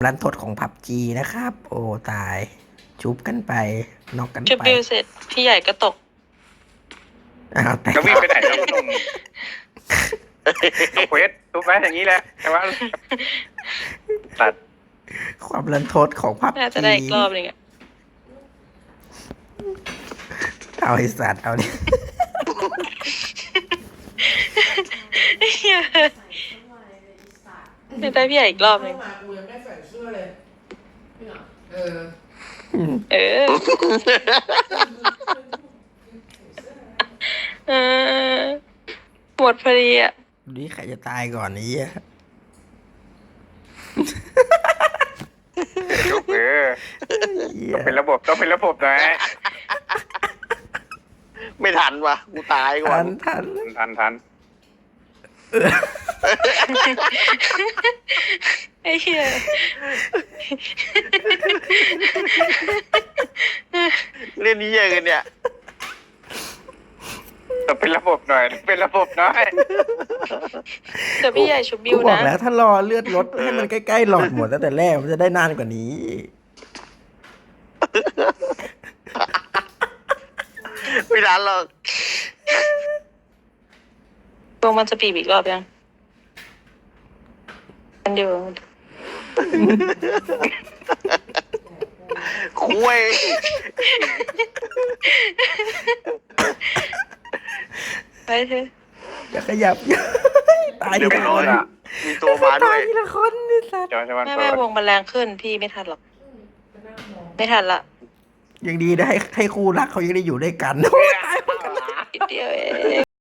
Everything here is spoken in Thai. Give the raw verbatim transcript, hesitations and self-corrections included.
รันทดของผับจีนะครับ โอ้ตาย ชุบกันไปนอกกันชุบไปบิวเสร็จ พี่ใหญ่ก็ตกอ้าวแต่จะวิ่งไปไหนแล้วคุณหนุ่มต้องเควสทุบไว้อย่างนี้แหละแต่ว่าตัดความรันทดของผับน่าจะจีได้อีกรอบหนึงอะเอาไอสัตว์เอาดิเหี้ยไม่ได้พี่ใหญ่อีกรอบหนึงเข้ามากูยังไม่ใส่เสื้อเลยเออเออ เออหมดพอดีอ่ะดูดิใครจะตายก่อนนี้อะยกเออเหี้ยต้องเป็นระบบต้องเป็นระบบหน่อยไม่ทันวะกูตายก่อทันนทันทันทันไอ้เหี้ยเล่นนี้เยอะกันเนี่ยต้องเป็นระบบหน่อยต้องเป็นระบบหน่อยเดี๋ยวพี่ใหญ่ชุบบิกูวบอกนะแล้วถ้ารอเลือดลดให้มันใกล้ๆหลอดหมดตั้งแต่แรกมันจะได้นานกว่านี้ไม่ทันหรอกวงมันจะปีบอีกรอบยังมันเดียวคุยไปเถอะอย่าขยับ ตายเดี๋ยวทีไปละรคอน ละมีตัวมาด้ตาวย ยทีละคนนี่สัตว์จอยชวันแม่เปิแม่ดวงมันแรงขึ้นพี่ไม่ทันหรอก ไม่ทันละยังดีนะให้ให้คู่รักเขายังได้อยู่ด้วยกันนิดเดียวเอง